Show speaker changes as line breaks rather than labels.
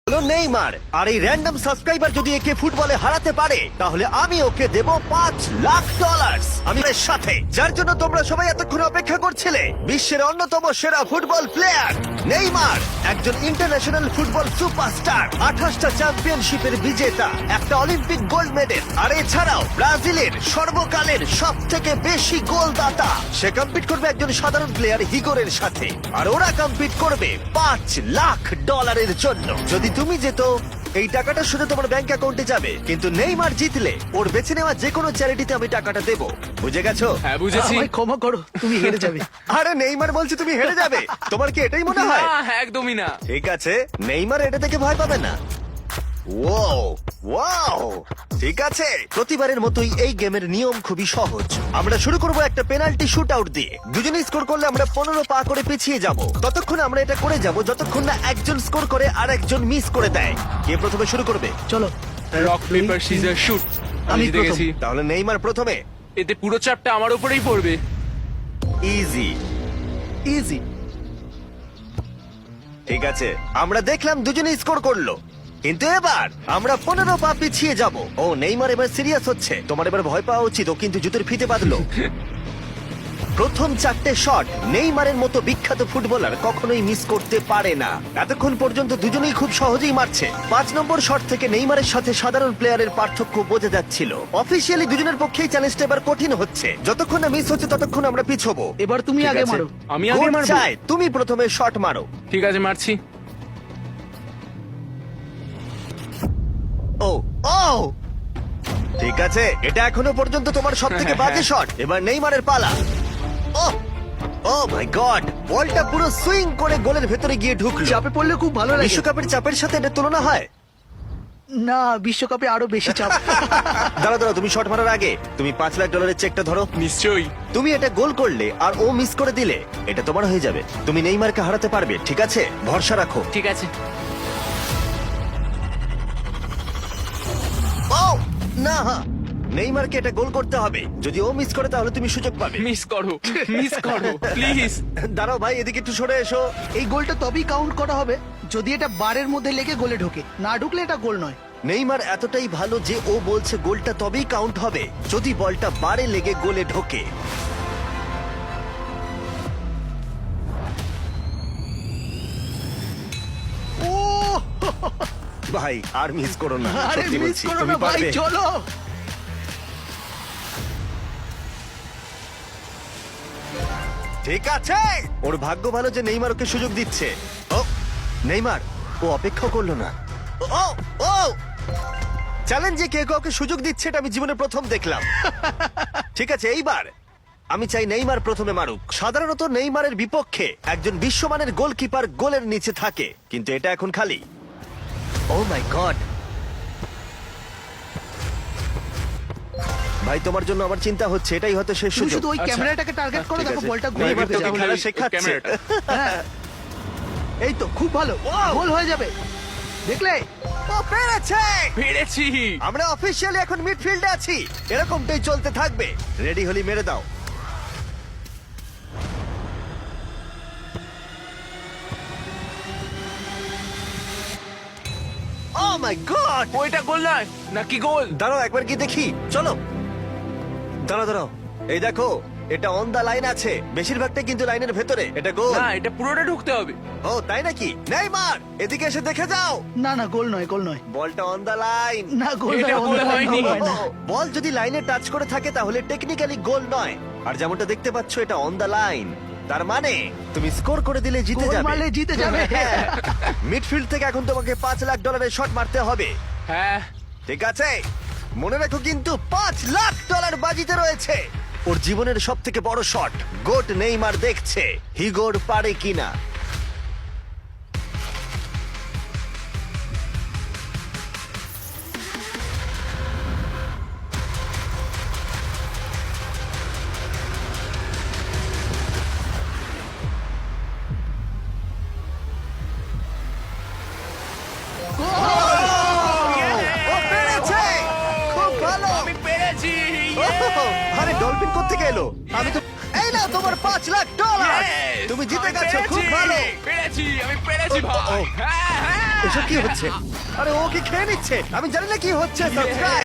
হলো নেইমার। আর এই random subscriber যদি একে ফুটবলে হারাতে পারে তাহলে আমি ওকে দেব $5,00,000 আমি এর সাথে, যার জন্য তোমরা সবাই এতক্ষণ অপেক্ষা করছিলে। বিশ্বের অন্যতম সেরা ফুটবল প্লেয়ার নেইমার, একজন ইন্টারন্যাশনাল ফুটবল সুপারস্টার, 28টা চ্যাম্পিয়নশিপের বিজেতা, একটা অলিম্পিক গোল্ড মেডেল, আর এছাড়াও ব্রাজিলের সর্বকালের সব থেকে বেশি গোলদাতা। সে কম্পিট করবে একজন সাধারণ প্লেয়ার হিগোরের সাথে, আর ওরা কম্পিট করবে $5,00,000 জন্য। যদি তুমি যেত এই টাকাটা শুধু তোমার ব্যাংক অ্যাকাউন্টে যাবে, কিন্তু নেইমার জিতলে ওর বেছে নেওয়া যে কোনো চ্যারিটিতে আমি টাকাটা দেবো। বুঝে গেছো?
হ্যাঁ বুঝেছি।
আমায় ক্ষমা করো, তুমি হেরে যাবে।
আরে নেইমার বলছে তুমি হেরে যাবে, তোমার কি এটাই মনে হয়?
না, একদমই না।
ঠিক আছে, নেইমার এটা থেকে ভয় পাবে না। ওয়াও ওয়াও, ঠিক আছে। প্রতিবারের মতোই এই গেমের নিয়ম খুবই সহজ। আমরা শুরু করব একটা পেনাল্টি শুট আউট দিয়ে। দুজনে স্কোর করলে আমরা 15 পা করে পিছিয়ে যাব। ততক্ষণ আমরা এটা করে যাব যতক্ষণ না একজন স্কোর করে আর একজন মিস করে দেয়। কে প্রথমে শুরু করবে?
চলো।
Rock paper scissor shoot. আমি
আমি
জিতে
প্রথম।
গেছি।
তাহলে নেইমার প্রথমে।
এতে পুরো চাপটা আমার উপরেই পড়বে।
ইজি।
ইজি।
ঠিক আছে, আমরা দেখলাম দুজনে স্কোর করলো, কিন্তু এবার আমরা 15 পা পিছিয়ে যাব। ও নেইমার এবার সিরিয়াস হচ্ছে। তোমার এবার ভয় পাওয়া উচিত, ও কিন্তু জুতোর ফিতে বাঁধলো। প্রথম 4টে শট নেইমারের মতো বিখ্যাত ফুটবলার কখনোই মিস করতে পারে না। এতক্ষণ পর্যন্ত দুজনেই খুব সহজেই মারছে। 5 নম্বর শট থেকে নেইমারের সাথে সাধারণ প্লেয়ারের পার্থক্য বোঝা যাচ্ছিল। অফিসিয়ালি দুজনের পক্ষেই চ্যালেঞ্জটা এবার কঠিন হচ্ছে। যতক্ষণ না মিস হচ্ছে ততক্ষণ আমরা পিছবো।
এবার তুমি
ঠিক
আগে
আছে?
মারো।
আমি আগে
গোল
মারবো?
চাই, তুমি প্রথমে শট মারো।
ঠিক আছে, মারছি।
ও ও, ঠিক আছে, এটা এখনো পর্যন্ত তোমার সব থেকে বাজে শট। এবার নেইমারের পালা। ও ও মাই গড, বলটা পুরো সুইং করে গোলের ভেতরে গিয়ে ঢুকলো।
চাপে পড়লে খুব ভালো লাগে।
বিশ্বকাপের চাপের সাথে এটা তুলনা হয়?
না, বিশ্বকাপে আরো বেশি চাপ।
দাঁড়া দাঁড়া, তুমি শট মারার আগে তুমি $5,00,000 চেকটা ধরো।
নিশ্চয়ই।
তুমি এটা গোল করলে আর ও মিস করে দিলে এটা তোমার হয়ে যাবে। তুমি নেইমারকে হারাতে পারবে, ঠিক আছে? ভরসা রাখো।
ঠিক আছে।
ও না, নেইমারকে এটা গোল করতে হবে। যদি ও মিস করে তাহলে তুমি সুযোগ পাবে।
মিস করো, মিস করো প্লিজ।
দাঁড়াও ভাই, এদিকে একটু সরে এসো।
এই গোলটা তবেই কাউন্ট করা হবে যদি এটা বারের মধ্যে লেগে গোলে ঢোকে। না ঢুকলে এটা গোল নয়।
নেইমার এতটাই ভালো যে ও বলছে গোলটা তবেই কাউন্ট হবে যদি বলটা বারে লেগে গোলে ঢোকে। ও ভাই, আর মিস করো না,
আরে
সত্যি
মিস
বলছি,
করো
তুমি
না ভাই,
পারবে।
চলো।
ঠিক আছে, ওর ভাগ্য ভালো যে নেইমার ওকে সুযোগ দিচ্ছে। ও নেইমার, ও অপেক্ষা করলো না। ও ও, চ্যালেঞ্জে কে কাউকে সুযোগ দিচ্ছে এটা আমি জীবনে প্রথম দেখলাম। ঠিক আছে, এইবার আমি চাই নেইমার প্রথমে মারুক। সাধারণত নেইমারের বিপক্ষে একজন বিশ্বমানের গোলকিপার গোলের নিচে থাকে, কিন্তু এটা এখন খালি। ও মাই গড ভাই, তোমার জন্য আমার চিন্তা হচ্ছে। এটাই হয়তো শেষ
তুমি
সুযোগ।
শুধু ওই
আচ্ছা,
ক্যামেরাটাকে টার্গেট করো,
ঠিক
দেখো
আছে।
বলটা গোলে
নেইমার
ঢুকে
তোকে
যাবে।
খেলা শেখাচ্ছে।
ক্যামেরাটা।
হ্যাঁ। এই তো খুব ভালো,
Wow!
গোল হয়ে যাবে। দেখলে?
ও পেরেছে!
পেরেছি।
আমরা অফিসিয়ালি এখন মিডফিল্ডে আছি। এরকমটাই চলতে থাকবে। রেডি হলি মেরে দাও। Oh my god!
ওইটা গোল নয় নাকি গোল?
দাঁড়াও একবার কি দেখি, চলো। দাঁড়াও দাঁড়াও, এই দেখো, এটা অন দা লাইন আছে। বেশিরভাগটাই কিন্তু লাইনের ভেতরে। এটা গোল।
না, এটা পুরোটা ঢুকতে হবে।
ও তাই নাকি? নেইমার, এদিকে এসে দেখে যাও।
না না, গোল নয়, গোল নয়।
বলটা অন দা লাইন।
না, গোল
এটা
নয়,
গোল
গোল
হয়নি।
হয় না।
বল যদি লাইনে টাচ করে থাকে তাহলে টেকনিক্যালি গোল নয়। আর যেমনটা দেখতে পাচ্ছ এটা অন দা লাইন, তার মানে তুমি স্কোর করে দিলে জিতে
গোল
যাবে।
মারলে জিতে যাবে।
হ্যাঁ। মিডফিল্ড থেকে এখন তোমাকে $5,00,000 শট মারতে হবে।
হ্যাঁ।
ঠিক আছে, মনে রাখো কিন্তু $5,00,000 বাজিতে রয়েছে। ওর জীবনের সব থেকে বড় শট। গোট নেইমার দেখছে হিগোর পারে কিনা। ও পেরেছে! খুব ভালো!
আমি পেরেছি।
ওহ, আরে ডলফিন কোত্থেকে এলো? আমি তো এই না তোমার $5,00,000
Yes!
তুমি জিতে
আমি
গেছো, খুব
পেরেছি!
ভালো।
আমি পেরেছি
ও,
ভাই
ও।
হ্যাঁ, হ্যাঁ।
এসব কি হচ্ছে? আরে ও কি খেয়ে নিচ্ছে? আমি জানি না কি হচ্ছে। সাবস্ক্রাইব